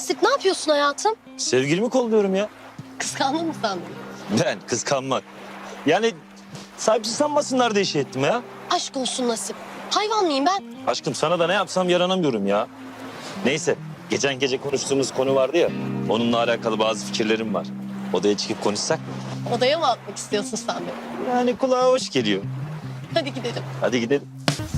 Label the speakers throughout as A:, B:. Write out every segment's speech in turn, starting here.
A: Nasip ne yapıyorsun hayatım?
B: Sevgilimi kolluyorum ya.
A: Kıskandın mı sandın?
B: Ben kıskanmak. Yani sahipsiz sanmasınlar diye şey ettim ya.
A: Aşk olsun Nasip. Hayvan mıyım ben?
B: Aşkım sana da ne yapsam yaranamıyorum ya. Neyse geçen gece konuştuğumuz konu vardı ya. Onunla alakalı bazı fikirlerim var. Odaya çıkıp konuşsak mı?
A: Odaya mı atmak istiyorsun sen beni?
B: Yani kulağa hoş geliyor.
A: Hadi gidelim.
B: Hadi gidelim.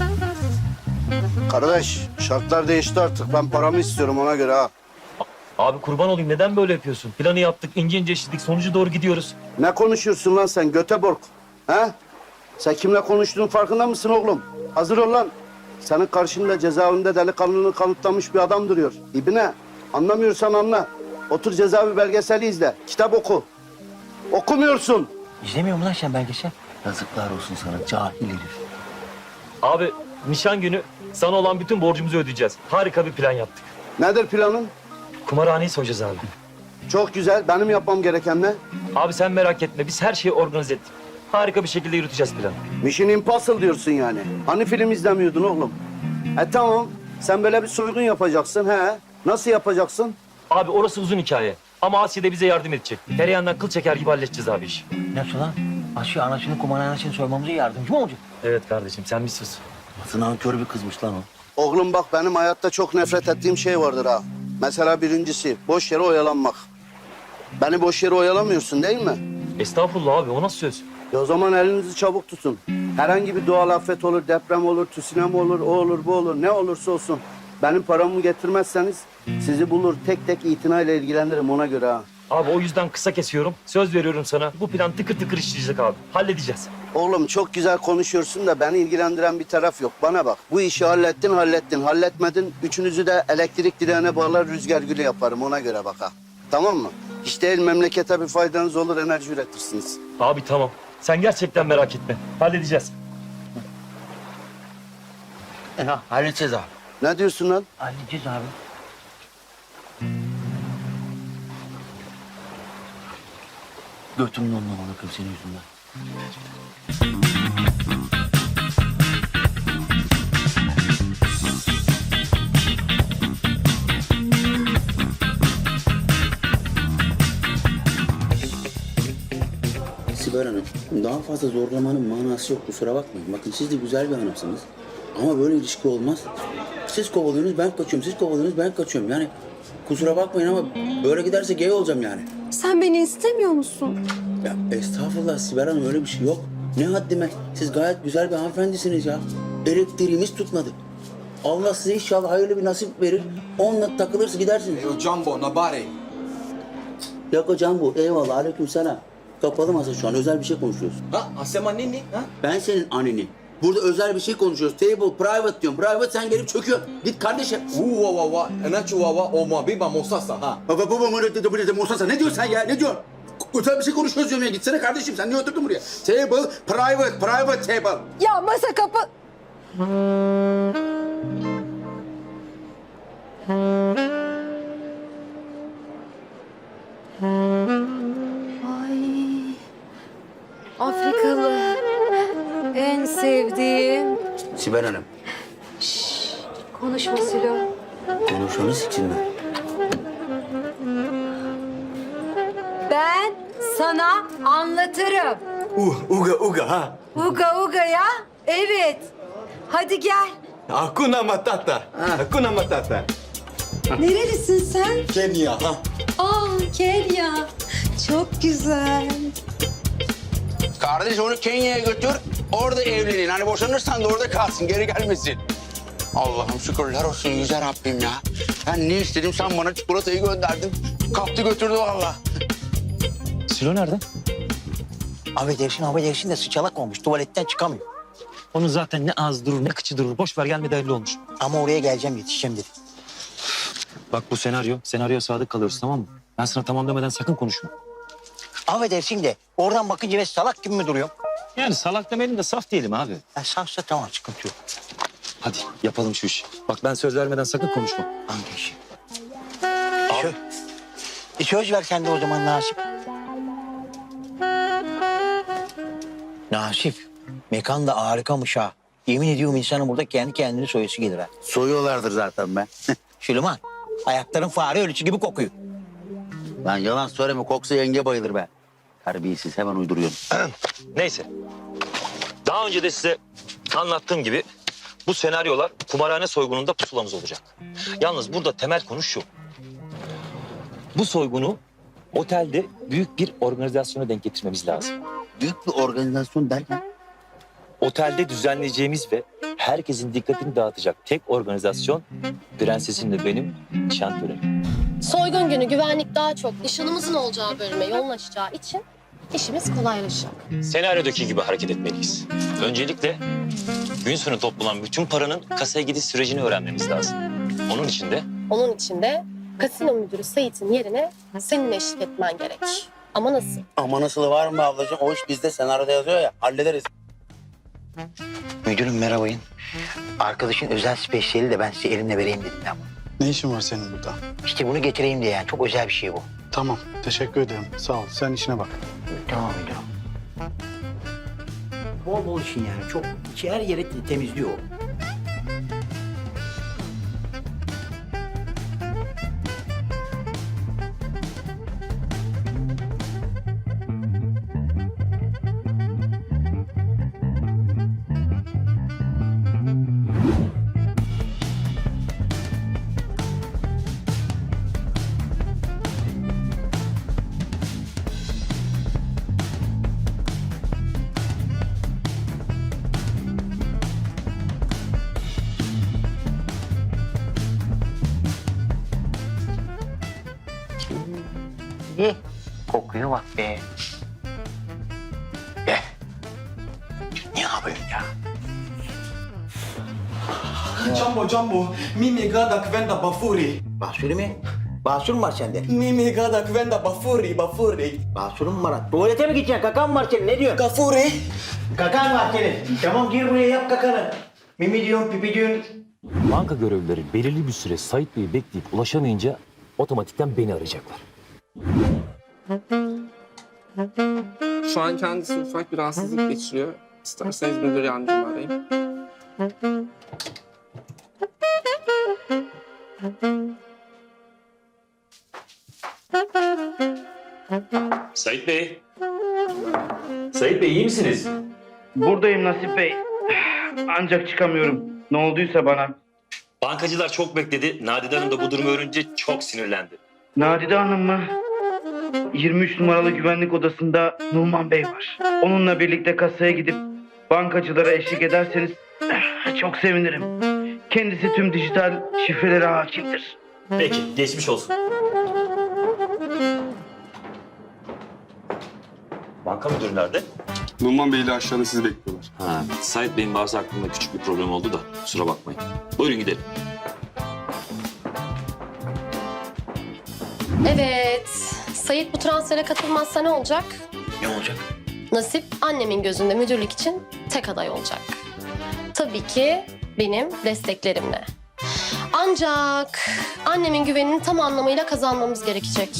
C: Kardeş şartlar değişti artık. Ben paramı istiyorum ona göre ha.
D: Abi kurban olayım neden böyle yapıyorsun? Planı yaptık, ince ince işledik, sonucu doğru gidiyoruz.
C: Ne konuşuyorsun lan sen Göteborg? Ha? Sen kimle konuştuğunun farkında mısın oğlum? Hazır ol lan. Senin karşında cezaevinde delikanlılığını kanıtlamış bir adam duruyor. İbine anlamıyorsan anla. Otur cezaevi belgeseli izle. Kitap oku. Okumuyorsun.
E: İzlemiyor mu lan sen belgesel? Yazıklar olsun sana cahil herif.
D: Abi nişan günü sana olan bütün borcumuzu ödeyeceğiz. Harika bir plan yaptık.
C: Nedir planın?
D: Kumarhaneyi soyacağız abi.
C: Çok güzel. Benim yapmam gereken ne?
D: Abi sen merak etme, biz her şeyi organize ettik. Harika bir şekilde yürüteceğiz planı.
C: Mission Impossible diyorsun yani. Hani film izlemiyordun oğlum? Tamam. Sen böyle bir soygun yapacaksın he. Nasıl yapacaksın?
D: Abi orası uzun hikaye. Ama Asya da bize yardım edecek. Tereyağından kıl çeker gibi halledeceğiz abi işi.
E: Nasıl lan? Asya anasını kumarhanesini soymamıza yardımcı mı olacak?
D: Evet kardeşim, sen bir sus.
E: Nasıl nankör bir kızmış lan o.
C: Oğlum bak benim hayatta çok nefret ettiğim şey vardır ha. Mesela birincisi boş yere oyalanmak. Beni boş yere oyalamıyorsun değil mi?
D: Estağfurullah abi, o nasıl söz?
C: O zaman elinizi çabuk tutun. Herhangi bir doğal afet olur, deprem olur, tsunami olur, o olur, bu olur. Ne olursa olsun. Benim paramı getirmezseniz sizi bulur tek tek itinayla ilgilendiririm ona göre ha.
D: Abi o yüzden kısa kesiyorum. Söz veriyorum sana. Bu plan tıkır tıkır işleyecek abi. Halledeceğiz.
C: Oğlum çok güzel konuşuyorsun da beni ilgilendiren bir taraf yok. Bana bak bu işi hallettin. Halletmedin. Üçünüzü de elektrik direğine bağlar rüzgar gülü yaparım ona göre bak ha. Tamam mı? Hiç değil memlekete bir faydanız olur enerji üretirsiniz.
D: Abi tamam. Sen gerçekten merak etme. Halledeceğiz.
E: Halledeceğiz abi.
C: Ne diyorsun lan?
E: Halledeceğiz abi. Götümün onunla bakayım senin yüzünden.
F: Sibel Hanım, daha fazla zorlamanın manası yok. Kusura bakmayın. Bakın siz de güzel bir hanımsınız. Ama böyle ilişki olmaz. Siz kovalıyorsunuz, ben kaçıyorum. Siz kovalıyorsunuz, ben kaçıyorum. Yani kusura bakmayın ama böyle giderse gay olacağım yani.
A: Sen beni istemiyor musun?
F: Ya estağfurullah Sibel Hanım, öyle bir şey yok. Ne haddime. Siz gayet güzel bir hanımefendisiniz ya. Elektriğimiz tutmadı. Allah size inşallah hayırlı bir nasip verir. Onunla takılırsa gidersiniz.
G: Yo Jumbo, Nabare.
F: Yok hocam bu. Eyvallah. Aleykümselam. Kapalı masa şu an. Özel bir şey konuşuyoruz.
G: Ha? Asema nini? Ha?
F: Ben senin anneni. Burada özel bir şey konuşuyoruz. Table, private diyorum. Private sen gelip çöküyorsun. Git kardeşim.
G: Wawa, enachu wawa, oma biba mosasa ha.
F: Baba Musa ne diyorsun sen ya? Ne diyorsun? Özel bir şey konuşuyoruz diyorum ya. Gitsene kardeşim. Sen niye oturdun buraya? Table, private table.
A: Ya masa kapı... Ay, Afrikalı. En sevdiğim.
F: Sibel Hanım.
A: Konuşma Silo.
F: Konuşmanız için mi?
H: Ben sana anlatırım.
G: Uga ha.
H: Uga uga ya. Evet. Hadi gel.
G: Hakuna Matata. Hakuna Matata.
H: Nerelisin sen?
G: Kenya ha.
H: Kenya. Çok güzel.
I: Kardeş onu Kenya'ya götür, orada evlenin. Hani boşanırsan da orada kalsın, geri gelmesin. Allah'ım şükürler olsun yüce Rabbim ya. Ben ne istedim, sen bana çikolatayı gönderdin. Kaptı götürdü vallahi.
B: Silo nerede?
E: Affedersin de sıçalak olmuş. Tuvaletten çıkamıyor.
B: Onun zaten ne ağzı durur ne kıçı durur. Boş ver gelmedi belli olmuş.
E: Ama oraya geleceğim yetişeceğim dedi.
B: Bak bu senaryo. Senaryoya sadık kalıyoruz tamam mı? Ben sana tamam demeden sakın konuşma.
E: Affedersin de oradan bakınca ben salak gibi mi duruyorum?
B: Yani salak demeyelim de saf diyelim abi.
E: Ya safsa tamam sıkıntı yok.
B: Hadi yapalım şu işi. Bak ben söz vermeden sakın konuşma.
E: Hangi işi? Söz ver sen de o zaman Nasip. Nasip, mekan da harikamış ha. Yemin ediyorum insanın burada kendi kendini soyası gelir ha.
F: Soyuyorlardır zaten ben.
E: Süleyman, Ayakların fare ölüsü gibi kokuyor.
F: Lan yalan söyleme, koksa yenge bayılır be. Terbiyesiz, hemen uyduruyorsun.
B: Neyse. Daha önce de size anlattığım gibi bu senaryolar kumarhane soygununda pusulamız olacak. Yalnız burada temel konu şu. Bu soygunu otelde büyük bir organizasyona denk getirmemiz lazım.
F: Büyük bir organizasyon derken?
B: Otelde düzenleyeceğimiz ve herkesin dikkatini dağıtacak tek organizasyon prensesimle benim nişan töreni.
J: Soygun günü güvenlik daha çok nişanımızın olacağı bölüme yoğunlaşacağı için işimiz kolaylaşacak.
B: Senaryodaki gibi hareket etmeliyiz. Öncelikle gün sonu toplanan bütün paranın kasaya gidiş sürecini öğrenmemiz lazım. Onun için de
J: Kasino müdürü Sait'in yerine senin eşlik etmen gerek. Ama nasıl?
F: Ama nasıl var mı ablacığım? O iş bizde, senaryoda yazıyor ya, hallederiz.
E: Müdürüm merhabayın. Arkadaşın özel spesiyeli de ben size elimle vereyim dedim ya.
K: Ne işin var senin burada?
E: İşte bunu getireyim diye yani. Çok özel bir şey bu.
K: Tamam, teşekkür ederim. Sağ ol, sen işine bak.
E: Tamam müdürüm. Bol bol işin yani. Çok içi her yeri temizliyor o. Kokuya bak be. Gel. Ne yapıyorsun ya?
G: Jumbo, Mimi gada kwenda bafuri.
E: Basur mi? Basur mu var sende?
G: Mimi gada kwenda bafuri.
E: Basurun mu var? Tuvalete mi gideceksin? Kakan mı var senin? Ne diyorsun?
G: Gafuri.
E: Kakan var senin. Tamam gir buraya yap kakanı. Mimi diyorsun, pipi diyorsun.
D: Banka görevlileri belirli bir süre Sait Bey'i bekleyip ulaşamayınca otomatikten beni arayacaklar.
L: Şu an kendisi ufak bir rahatsızlık geçiriyor. İsterseniz müdür yardımcımı arayayım.
B: Sait Bey. Sait Bey iyi misiniz?
M: Buradayım Nasip Bey. Ancak çıkamıyorum. Ne olduysa bana.
B: Bankacılar çok bekledi. Nadide Hanım da bu durumu öğrenince çok sinirlendi.
M: Nadide Hanım mı? 23 numaralı güvenlik odasında Numan Bey var. Onunla birlikte kasaya gidip bankacılara eşlik ederseniz çok sevinirim. Kendisi tüm dijital şifrelere hakimdir.
B: Peki geçmiş olsun. Banka müdürü nerede?
K: Numan Bey ile aşağıda sizi bekliyorlar.
B: Ha, Sait Bey'in bazı aklımda küçük bir problem oldu da kusura bakmayın. Buyurun gidelim.
J: Evet. Sait bu transfere katılmazsa ne olacak?
E: Ne olacak?
J: Nasip annemin gözünde müdürlük için tek aday olacak. Tabii ki benim desteklerimle. Ancak annemin güvenini tam anlamıyla kazanmamız gerekecek.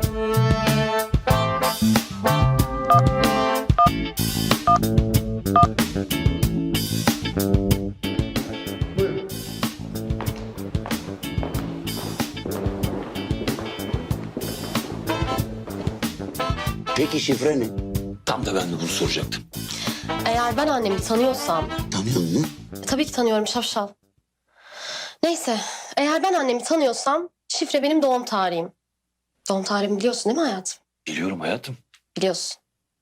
F: Peki şifre ne?
B: Tam da ben de bunu soracaktım.
J: Eğer ben annemi tanıyorsam...
F: Tanıyor musun?
J: Tabii ki tanıyorum şapşal. Neyse, eğer ben annemi tanıyorsam şifre benim doğum tarihim. Doğum tarihimi biliyorsun değil mi hayatım?
B: Biliyorum hayatım.
J: Biliyorsun.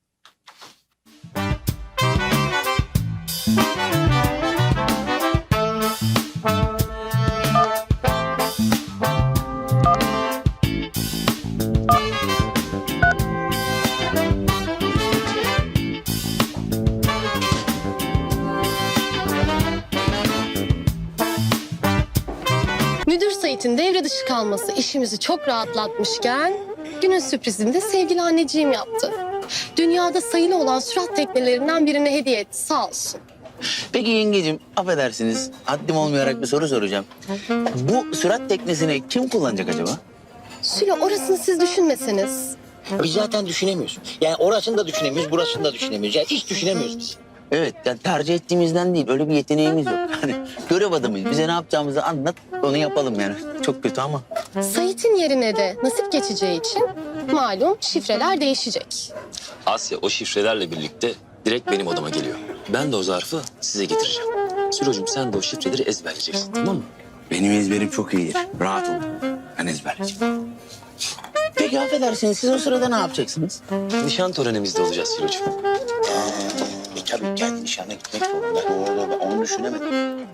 J: Müdür Sait'in devre dışı kalması işimizi çok rahatlatmışken günün sürprizini de sevgili anneciğim yaptı. Dünyada sayılı olan sürat teknelerinden birine hediye etti sağ olsun.
F: Peki yengeciğim, affedersiniz. Haddim olmayarak bir soru soracağım. Bu sürat teknesini kim kullanacak acaba?
J: Sülo orasını siz düşünmeseniz.
E: Biz zaten düşünemiyoruz. Yani orasını da düşünemiyoruz, burasını da düşünemiyoruz. Yani hiç düşünemiyoruz biz.
F: Evet, yani tercih ettiğimizden değil. Öyle bir yeteneğimiz yok. Hani görev adamıyız. Bize ne yapacağımızı anlat, onu yapalım yani. Çok kötü ama.
J: Sait'in yerine de Nasip geçeceği için malum şifreler değişecek.
B: Asya o şifrelerle birlikte direkt benim odama geliyor. Ben de o zarfı size getireceğim. Sülocuğum sen de o şifreleri ezberleyeceksin, tamam mı?
F: Benim ezberim çok iyidir. Rahat olun. Ben ezberleyeceğim. Peki affedersiniz, siz o sırada ne yapacaksınız?
B: Nişan törenimizde olacağız Sülocuğum.
F: Tabii kendi nişanına gitmek zorunda. Doğru, ben onu düşünemedim.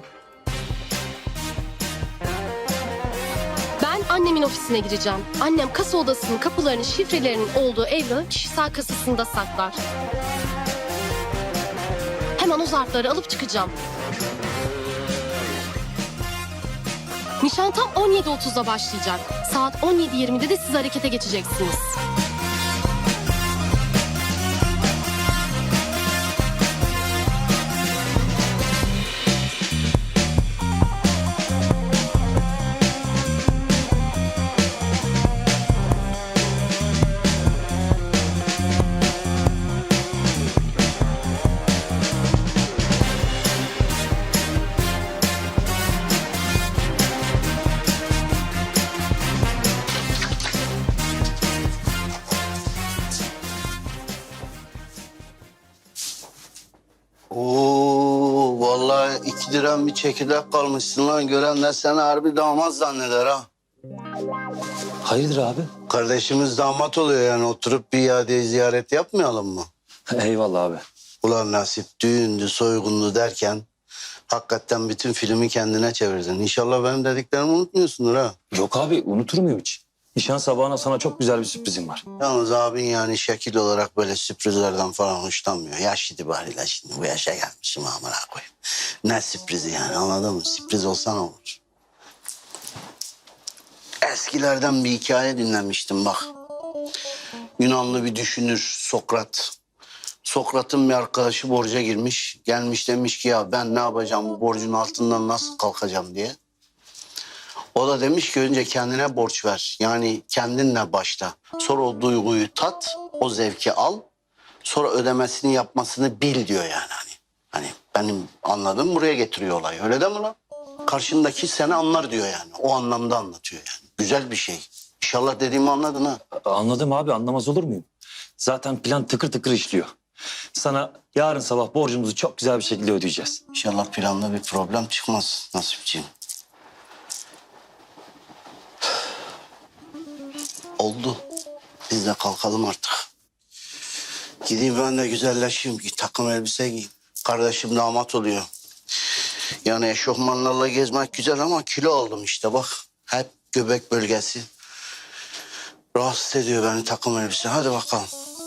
J: Ben annemin ofisine gireceğim. Annem kasa odasının kapılarının şifrelerinin olduğu evrağı kişisel kasasında saklar. Hemen o zarfları alıp çıkacağım. Nişan tam 17.30'da başlayacak. Saat 17.20'de de siz harekete geçeceksiniz.
C: Oo, vallahi 2 liram bir çekirdek kalmışsın lan. Görenler seni harbi damat zanneder ha.
B: Hayırdır abi?
C: Kardeşimiz damat oluyor yani, oturup bir iade ziyaret yapmayalım mı?
B: Eyvallah abi.
C: Ulan Nasip, düğündü, soygundu derken hakikaten bütün filmi kendine çevirdin. İnşallah benim dediklerimi unutmuyorsundur ha.
B: Yok abi, unutur muyum hiç? Nişan sabahına sana çok güzel bir sürprizim var.
C: Yalnız abin yani şekil olarak böyle sürprizlerden falan hoşlanmıyor. Yaş itibariyle şimdi bu yaşa gelmişim, amına koyayım. Ne sürprizi yani, anladın mı? Sürpriz olsa ne olur? Eskilerden bir hikaye dinlemiştim bak. Yunanlı bir düşünür Sokrat. Sokrat'ın bir arkadaşı borca girmiş. Gelmiş demiş ki ya ben ne yapacağım, bu borcun altından nasıl kalkacağım diye. O da demiş ki önce kendine borç ver. Yani kendinle başla. Sonra o duyguyu tat, o zevki al. Sonra ödemesini yapmasını bil diyor yani. Hani benim anladığım buraya getiriyor olayı. Öyle değil mi lan? Karşındaki seni anlar diyor yani. O anlamda anlatıyor yani. Güzel bir şey. İnşallah dediğimi anladın ha.
B: Anladım abi, anlamaz olur muyum? Zaten plan tıkır tıkır işliyor. Sana yarın sabah borcumuzu çok güzel bir şekilde ödeyeceğiz.
C: İnşallah planda bir problem çıkmaz Nasipciğim. Oldu. Biz de kalkalım artık. Gideyim ben de güzelleşeyim. Takım elbise giyeyim. Kardeşim damat oluyor. Yani eşofmanlarla gezmek güzel ama kilo aldım işte bak. Hep göbek bölgesi. Rahatsız ediyor beni takım elbise. Hadi bakalım.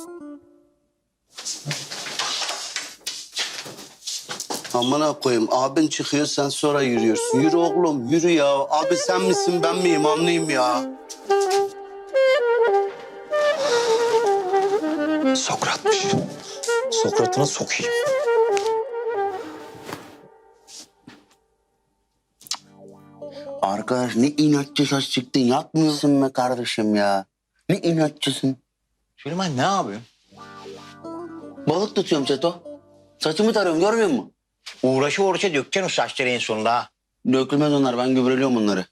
C: Amına koyayım. Abin çıkıyor, sen sonra yürüyorsun. Yürü oğlum, yürü ya. Abi sen misin, ben miyim, anlayayım ya.
B: Sokrat'mış. Sokrat'ına sokayım.
F: Arkadaş ne inatçı saç çıktın. Yatmıyorsun be kardeşim ya. Ne inatçısın.
E: Süleyman ne yapıyorsun?
F: Balık tutuyorum Çeto. Saçımı tarıyorum, görmüyor musun?
E: Uğraşı dökeceksin o saçları en sonunda ha.
F: Dökülmez onlar, ben gübreliyorum onları.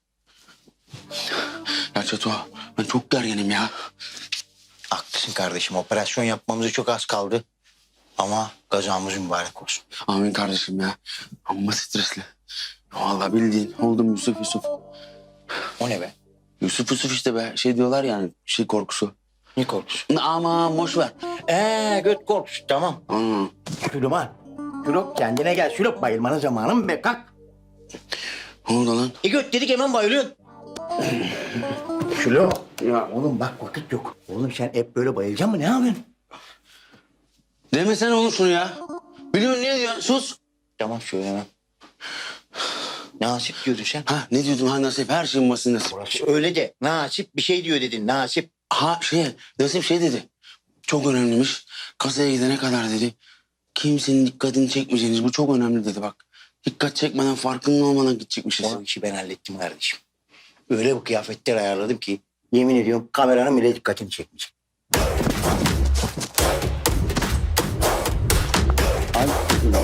F: Ya Çeto, ben çok gerginim ya.
E: Haklısın kardeşim, operasyon yapmamıza çok az kaldı. Ama kazamız mübarek olsun.
F: Amin kardeşim ya. Amma stresli. Vallahi bildiğin oldum Yusuf.
E: O ne be?
F: Yusuf işte be. Şey diyorlar yani, şey korkusu.
E: Ne korkusu?
F: Aman boş ver.
E: Göt korkusu tamam. Süleyman. Sülop kendine gel. Sülop bayılmanın zamanı mı be, kalk.
F: Ne oldu lan?
E: Göt dedik hemen bayılıyorsun. Sülop. Ya oğlum bak vakit yok. Oğlum sen hep böyle bayılacaksın mı, ne yapıyorsun?
F: Demesene oğlum şunu ya. Biliyorsun ne diyorsun? Sus.
E: Tamam söylemem. Nasip diyordun sen.
F: Ha ne diyordum ha Nasip? Her şeyin basit Nasip.
E: Öyle de. Nasip bir şey diyor dedin, Nasip.
F: Ha Nasip şey dedi. Çok önemliymiş. Kasaya gidene kadar dedi. Kimsenin dikkatini çekmeyeceğiniz, bu çok önemli dedi bak. Dikkat çekmeden, farkında olmadan gidecekmişiz.
E: O işi ben hallettim kardeşim. Öyle bir kıyafetler ayarladım ki yemin ediyorum kameranın bile dikkatini çekmeyecek.
F: Abi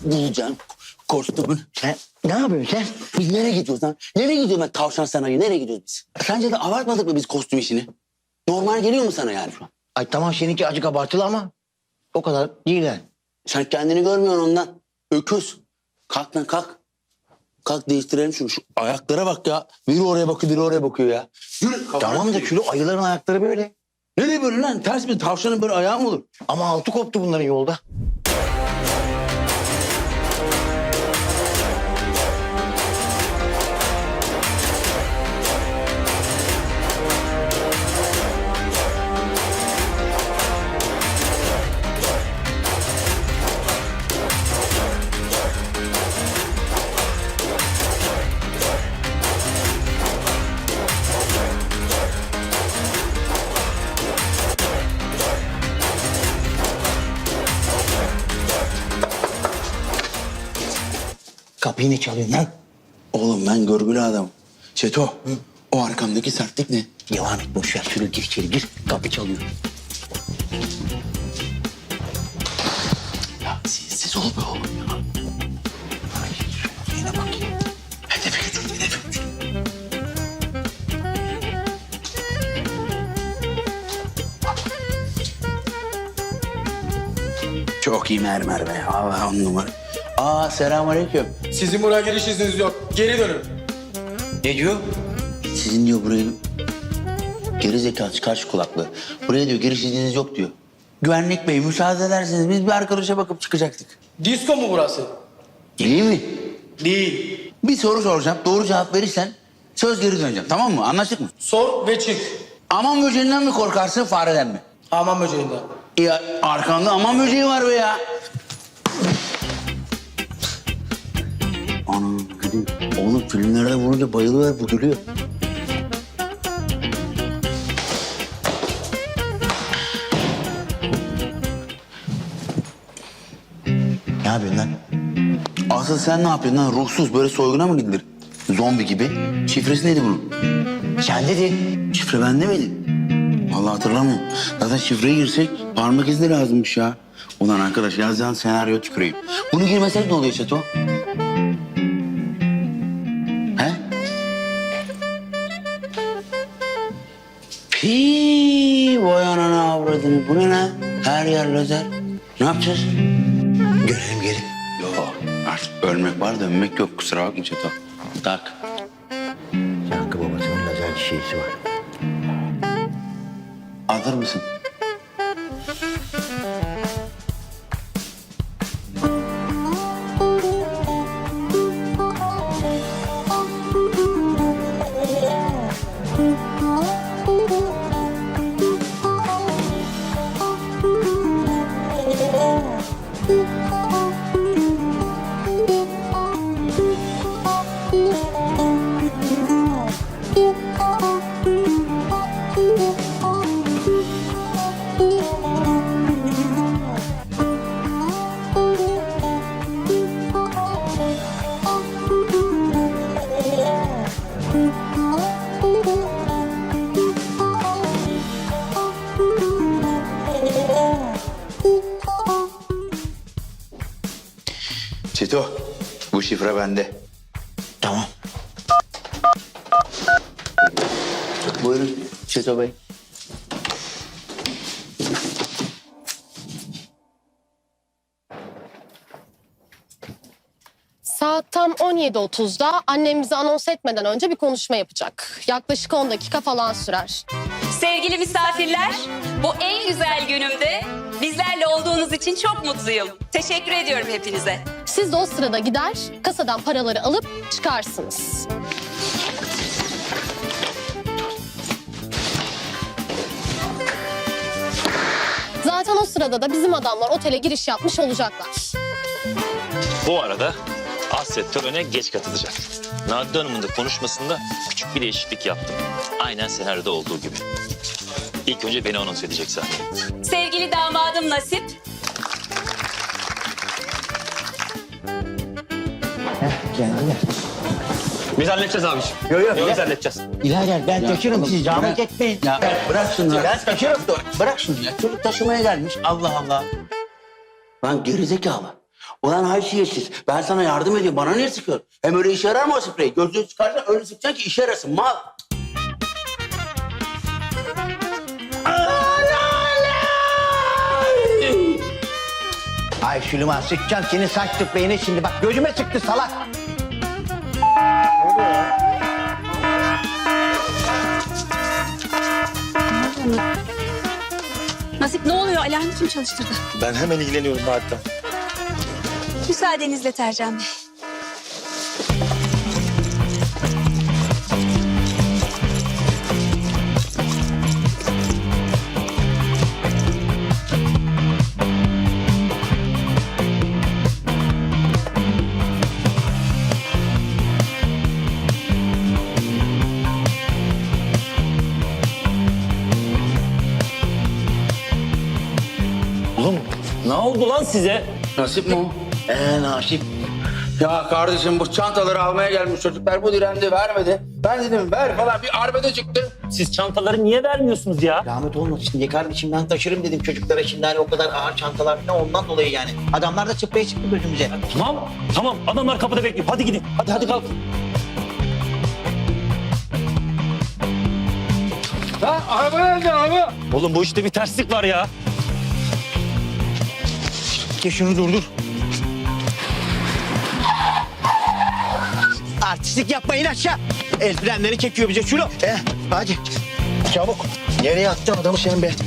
I: bulacaksın kostümün.
E: Sen ne yapıyorsun sen?
I: Biz nereye gidiyoruz lan? Nereye gidiyorum ben tavşan sanayi? Nereye gidiyoruz biz? Sence de abartmadık mı biz kostüm işini? Normal geliyor mu sana yani şu an?
E: Ay tamam seninki acık abartılı ama o kadar değil yani.
I: Sen kendini görmüyorsun ondan. Öküz. Kalk lan kalk. Kalk değiştirelim şunu. Şu ayaklara bak ya. Biri oraya bakıyor, biri oraya bakıyor ya. Yürü.
E: Tamam da Külo ayıların ayakları böyle.
I: Nereye böyle lan? Ters bir tavşanın böyle ayağı mı olur?
E: Ama altı koptu bunların yolda. Kapıyı ne çalıyorsun lan?
I: Oğlum ben görgülü adamım. Çeto, o arkamdaki sertlik ne?
E: Devam et boş ver. Şöyle gir içeri gir. Kapı çalıyor.
I: Ya siz ol be oğlum ya.
E: Ay, yine bakayım.
I: Hedefe götür, hedefe götür. Çok iyi mermer be. Allah on numara. Aa selamünaleyküm.
G: Sizin buraya giriş izniniz yok. Geri dönün.
I: Ne diyor? Sizin diyor burayı... Geri zekalı çıkar şu kulaklığı. Buraya diyor giriş izniniz yok diyor. Güvenlik bey müsaade ederseniz biz bir arkadaşa bakıp çıkacaktık.
G: Disko mu burası?
I: İyi mi?
G: Değil.
I: Bir soru soracağım. Doğru cevap verirsen söz geri döneceğim. Tamam mı? Anlaştık mı?
G: Sor ve çık.
I: Aman böceğinden mi korkarsın fareden mi?
G: Aman böceğinden.
I: Ya arkanda aman böceği var be ya. Anam gülüyor. Oğlum filmlerde vurunca bayılıyor bu gülüyor.
E: Ne yapıyorsun lan?
I: Asıl sen ne yapıyorsun lan? Ruhsuz böyle soyguna mı gidilir? Zombi gibi. Şifresi neydi bunun?
E: Sen dedin.
I: Şifre bende miydi? Vallahi hatırlamıyorum. Zaten şifreye girsek parmak izi de lazımmış ya. Ulan arkadaş yazacağın senaryo tüküreyim. Bunu girmesek ne oluyor Çeto? He? Pii, vay anana avradını. Bu ne lan? Her yer lazer. Ne yapacağız?
E: Görelim gelin.
I: Yok artık ölmek var da ölmek yok. Kusura bakma Çeto. Tak.
E: Yankı babasının lazer şeysi var.
I: Hazır mısın? Çeto, bu şifre bende.
E: Tamam.
I: Buyurun Çeto Bey.
J: Saat tam 17.30'da annem bizi anons etmeden önce bir konuşma yapacak. Yaklaşık 10 dakika falan sürer.
H: Sevgili misafirler, bu en güzel günümde bizlerle olduğunuz için çok mutluyum. Teşekkür ediyorum hepinize.
J: Siz de o sırada gider, kasadan paraları alıp çıkarsınız. Zaten o sırada da bizim adamlar otele giriş yapmış olacaklar.
B: Bu arada Asya törene geç katılacak. Nadide Hanım'ın da konuşmasında küçük bir değişiklik yaptım. Aynen senaryoda olduğu gibi. İlk önce beni anons edecek sahneye.
H: Sevgili damadım Nasip,
E: Geldiler.
D: Biz halledeceğiz abiciğim.
E: Yok
D: Biz halledeceğiz.
E: İlader ben taşırım siz zahmet etmeyin.
I: Ya bırak şunu.
E: Ben taşırım.
I: Bırak şunu ya. Çocuk taşımaya gelmiş. Allah Allah. Lan gerizekalı. Ulan haysiyetsiz. Ben sana yardım ediyorum. Bana niye sıkıyorsun? Hem öyle işe yarar mı o sprey? Gözlüğü çıkarsan öyle sıkacaksın ki işe yarasın. Mal.
E: Ay Süleyman sıkacağım senin saç spreyine şimdi. Bak gözüme sıktı salak.
H: Nasip ne oluyor? Alarmı kim çalıştırdı?
D: Ben hemen ilgileniyorum hatta.
H: Müsaadenizle Tercan Bey.
D: Oğlum ne oldu lan size?
I: Nasip mi o?
E: Nasip.
I: Ya kardeşim bu çantaları almaya gelmiş çocuklar. Bu direndi vermedi. Ben dedim ver falan bir arbede çıktı.
D: Siz çantaları niye vermiyorsunuz ya?
E: Rahmet olmasın diye kardeşim ben taşırım dedim çocuklara şimdi hani o kadar ağır çantalar falan ondan dolayı yani. Adamlar da sprey çıktı gözümüze.
D: Tamam adamlar kapıda bekliyor. Hadi gidin. Hadi kalk.
I: Ha araba nerede araba?
D: Oğlum bu işte bir terslik var ya.
E: Ki şunu durdur. Artistlik yapmayın aşağı. El frenleri çekiyor bize şunu. Hadi çabuk. Nereye attın adamı sen be?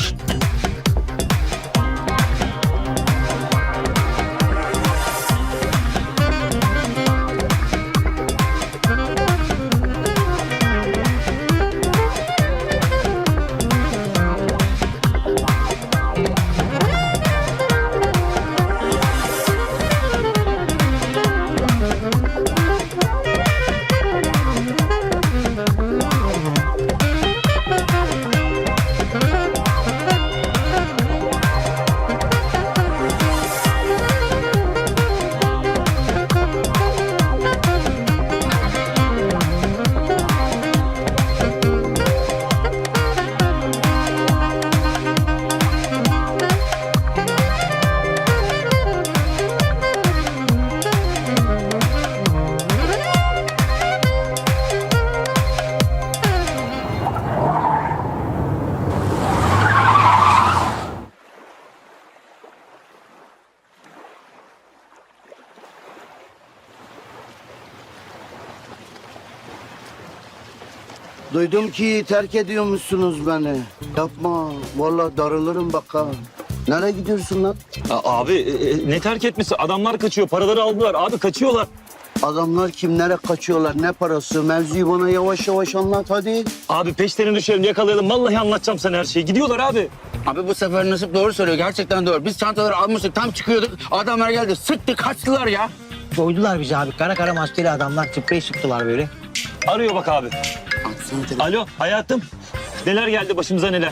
C: Duydum ki terk ediyormuşsunuz beni. Yapma. Vallahi darılırım bak ha. Nereye gidiyorsun lan?
D: Abi ne terk etmesi? Adamlar kaçıyor. Paraları aldılar. Abi kaçıyorlar.
C: Adamlar kimlere kaçıyorlar? Ne parası? Mevzuyu bana yavaş yavaş anlat hadi.
D: Abi peşlerine düşelim yakalayalım. Vallahi anlatacağım sana her şeyi. Gidiyorlar abi.
I: Abi bu sefer Nasip doğru söylüyor. Gerçekten doğru. Biz çantaları almıştık. Tam çıkıyorduk. Adamlar geldi. Sıktı kaçtılar ya.
E: Soydular bizi abi. Kara kara maskeli adamlar sprey sıktılar böyle.
D: Arıyor bak abi.
I: Atsana telefonu.
D: Alo hayatım. Neler geldi başımıza neler?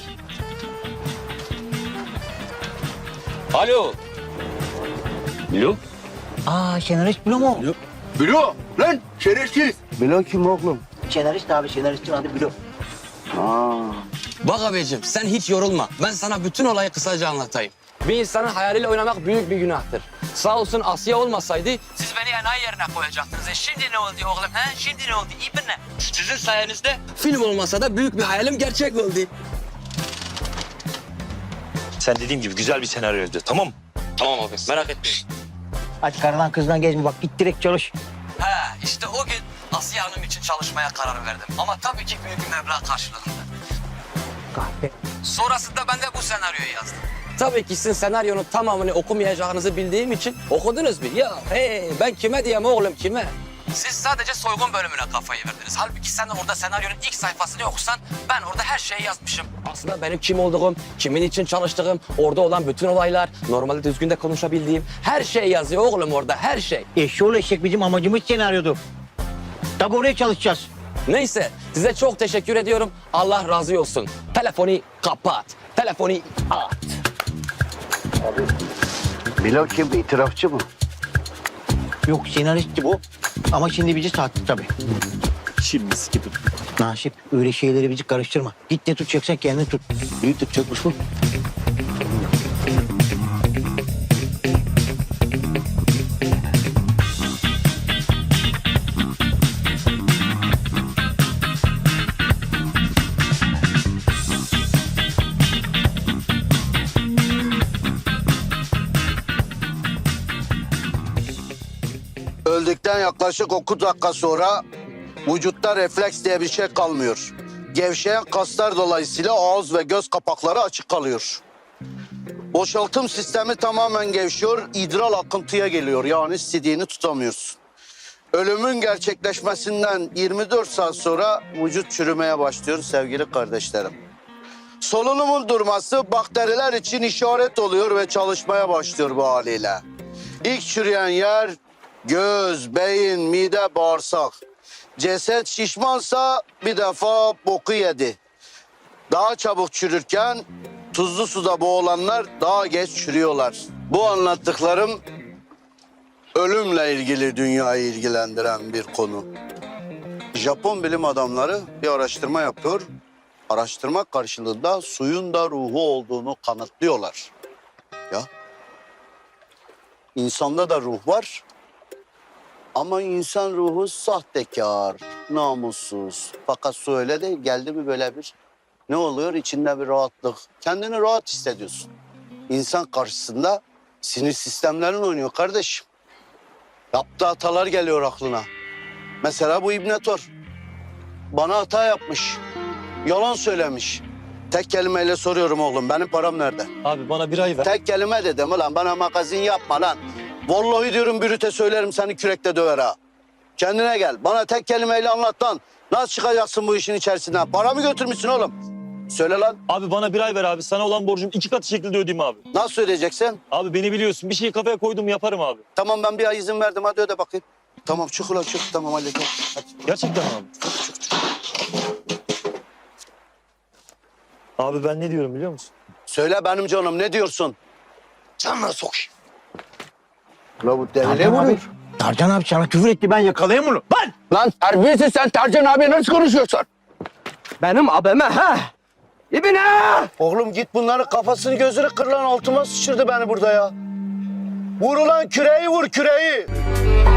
D: Alo. Alo.
E: Senarist Bilo mu?
I: Bilo lan şerefsiz.
C: Bilo kim oğlum?
E: Senarist abi senaristin adı Bilo.
G: Bak abicim sen hiç yorulma. Ben sana bütün olayı kısaca anlatayım. Bir insanın hayaliyle oynamak büyük bir günahtır. Sağ olsun Asya olmasaydı siz beni enayi yerine koyacaktınız. Şimdi ne oldu oğlum? Şimdi ne oldu? İyi ne? Sizin sayenizde film olmasa da büyük bir hayalim gerçek oldu.
B: Sen dediğim gibi güzel bir senaryoydu. Tamam mı?
G: Tamam abi merak etmeyin.
E: Hadi karılan kızdan gezme bak git direkt çalış.
G: İşte o gün Asiye Hanım için çalışmaya karar verdim. Ama tabii ki büyük bir meblağ karşılığında.
E: Kahpe.
G: Sonrasında ben de bu senaryoyu yazdım. Tabii ki sizin senaryonun tamamını okumayacağınızı bildiğim için okudunuz mu? Ya ben kime diyeyim oğlum kime? Siz sadece soygun bölümüne kafayı verdiniz. Halbuki sen orada senaryonun ilk sayfasını okusan ben orada her şeyi yazmışım. Aslında benim kim olduğum, kimin için çalıştığım, orada olan bütün olaylar, normalde düzgün de konuşabildiğim her şey yazıyor oğlum orada her şey.
E: Eşşoğlu eşek bizim amacımız senaryodu. Tabi oraya çalışacağız.
G: Neyse size çok teşekkür ediyorum. Allah razı olsun. Telefonu kapat. Telefonu at.
C: Bilo kim? İtirafçı mı?
E: Yok senaristti bu. Ama şimdi bizi sattı tabii.
D: Şimdi gibi.
E: Nasip öyle şeyleri bizi karıştırma. Git ne tutacaksan kendini tut. Büyük tutacakmış bu.
C: Bittikten yaklaşık 9 dakika sonra vücutta refleks diye bir şey kalmıyor. Gevşeyen kaslar dolayısıyla ağız ve göz kapakları açık kalıyor. Boşaltım sistemi tamamen gevşiyor, idrar akıntıya geliyor. Yani sidiğini tutamıyorsun. Ölümün gerçekleşmesinden 24 saat sonra vücut çürümeye başlıyor sevgili kardeşlerim. Solunumun durması bakteriler için işaret oluyor ve çalışmaya başlıyor bu haliyle. İlk çürüyen yer göz, beyin, mide, bağırsak. Ceset şişmansa bir defa boku yedi. Daha çabuk çürürken tuzlu suda boğulanlar daha geç çürüyorlar. Bu anlattıklarım ölümle ilgili dünyayı ilgilendiren bir konu. Japon bilim adamları bir araştırma yapıyor. Araştırma karşılığında suyun da ruhu olduğunu kanıtlıyorlar. Ya. İnsanda da ruh var. Ama insan ruhu sahtekar, namussuz. Fakat su öyle değil. Geldi mi böyle bir ne oluyor? İçinde bir rahatlık. Kendini rahat hissediyorsun. İnsan karşısında sinir sistemlerin oynuyor kardeşim. Yaptığı hatalar geliyor aklına. Mesela bu İbnetor. Bana hata yapmış. Yalan söylemiş. Tek kelimeyle soruyorum oğlum. Benim param nerede?
D: Abi bana bir ay ver.
C: Tek kelime dedim ulan. Bana magazin yapma lan. Vallahi diyorum bürüte söylerim seni kürekle döver ha. Kendine gel. Bana tek kelimeyle anlat lan. Nasıl çıkacaksın bu işin içerisinden? Para mı götürmüşsün oğlum? Söyle lan.
D: Abi bana bir ay ver abi. Sana olan borcum 2 katı şekilde ödeyeyim abi.
C: Nasıl ödeyeceksin?
D: Abi beni biliyorsun. Bir şeyi kafaya koydum yaparım abi.
C: Tamam ben bir ay izin verdim. Hadi öde bakayım. Tamam çık ulan çık. Tamam halledeceğim. Hadi.
D: Gerçekten mi abi? Abi ben ne diyorum biliyor musun?
C: Söyle benim canım ne diyorsun?
E: Canına sokayım.
C: Ulan bu deli
E: Tarcan abi,
C: vuruyor.
E: Tarcan abi sana küfür etti, ben yakalayayım onu. Lan!
I: Lan terbiyesiz, sen Tercan abiye nasıl konuşuyorsun?
L: Benim abime ha. İbine!
C: Oğlum git bunların kafasını gözünü kır lan. Altıma sıçırdı beni burada ya. Vur ulan küreği vur küreği.